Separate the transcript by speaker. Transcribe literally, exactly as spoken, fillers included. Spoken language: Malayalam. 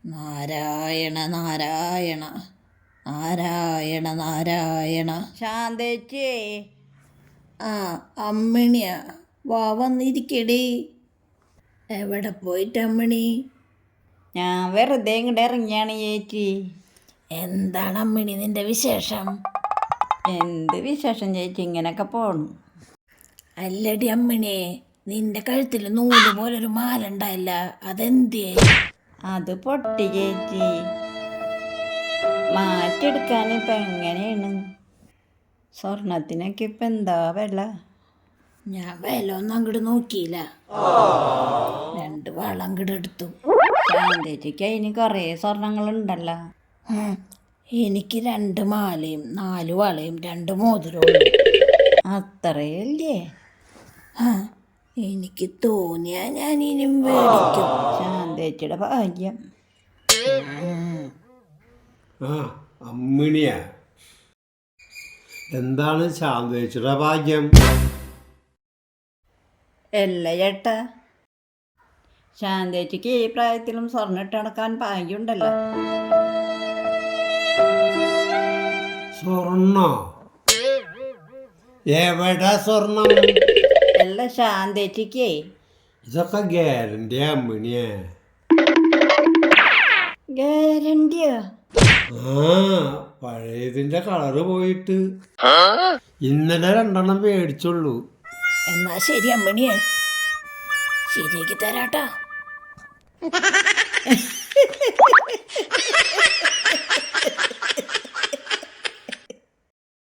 Speaker 1: നാരായണ നാരായണ നാരായണ നാരായണ.
Speaker 2: ശാന്തേച്ചിയേ.
Speaker 1: ആ അമ്മിണിയാ, വാ വന്നിരിക്കടി. എവിടെ പോയിട്ട് അമ്മിണി?
Speaker 2: ഞാൻ വെറുതെ ഇങ്ങോട്ട് ഇറങ്ങിയാണ് ചേച്ചി.
Speaker 1: എന്താണ് അമ്മിണി നിന്റെ വിശേഷം?
Speaker 2: എന്ത് വിശേഷം ചേച്ചി, ഇങ്ങനെയൊക്കെ പോണു.
Speaker 1: അല്ലടി അമ്മിണിയെ, നിന്റെ കഴുത്തിൽ നൂല് പോലൊരു മാല ഉണ്ടായില്ല, അതെന്തിയേ?
Speaker 2: അത് പൊട്ടി ചേച്ചി. മാറ്റിയെടുക്കാൻ ഇപ്പം എങ്ങനെയാണ്? സ്വർണത്തിനൊക്കെ ഇപ്പം എന്താ വില?
Speaker 1: ഞാൻ വില ഒന്നും അങ്ങോട്ട് നോക്കിയില്ല, രണ്ട് വളം അങ്ങോട്ട് എടുത്തു.
Speaker 2: ശാന്തേച്ചിക്ക് അതിന് കുറേ സ്വർണങ്ങളുണ്ടല്ലോ.
Speaker 1: ഉം, എനിക്ക് രണ്ട് മാലയും നാല് വളയും രണ്ട് മോതിരവും.
Speaker 2: അത്രയല്ലേ?
Speaker 1: ആ, എനിക്ക് തോന്നിയാ ഞാൻ ഇനിയും മേടിക്കും.
Speaker 2: ശാന്തേച്ചിയുടെ ഭാഗ്യം.
Speaker 3: ആ അമ്മിണിയാ, എന്താണ് ശാന്തേച്ചിയുടെ ഭാഗ്യം?
Speaker 2: അല്ല ചേട്ടാ, ശാന്തേച്ചിക്ക് ഈ പ്രായത്തിലും സ്വർണ്ണം ഇട്ട് നടക്കാൻ ഭാഗ്യമുണ്ടല്ലോ.
Speaker 3: സ്വർണ്ണോ? എവിടെ സ്വർണം?
Speaker 2: അല്ല ശാന്തേച്ചിക്കേ.
Speaker 3: ഇതൊക്കെ ഗ്യാരണ്ടി അമ്മിണിയെ.
Speaker 2: ഗ്യാരണ്ടിയോ?
Speaker 3: ആ, പഴയതിന്റെ കളറ് പോയിട്ട് ഇന്നലെ രണ്ടെണ്ണം മേടിച്ചുള്ളൂ.
Speaker 1: എന്നാ ശരി അമ്മിണിയെ, ശരിയാക്കി തരാട്ടാ.